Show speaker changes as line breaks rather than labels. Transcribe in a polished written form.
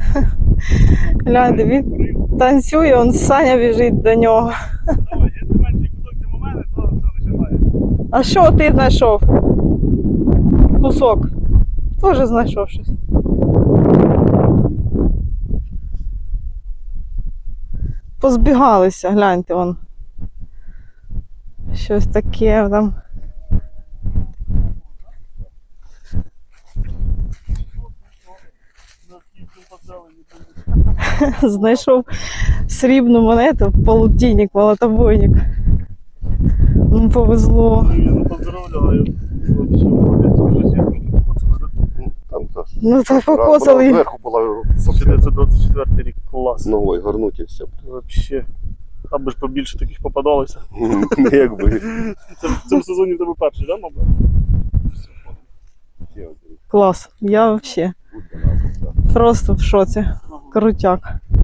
Гляньте, він танцює, он Саня біжить до нього.
Давай, якщо менший кусок, чим у мене, то все починає.
А що ти знайшов? Кусок. Теж знайшов щось. Позбігалися, гляньте, вон. Щось таке там. Знайшов срібну монету, полтинник, молотобойник. Ну, повезло.
Ну, поздравляю.
Ну, так покосили.
Зверху була
1924 рік, клас.
новою горнуть і все.
Вообще. Аби ж побільше таких попадалося.
Якби.
Це в цьому сезоні в тебе перший, да, мабуть?
Клас. Я взагалі просто в шоці. Крутяк.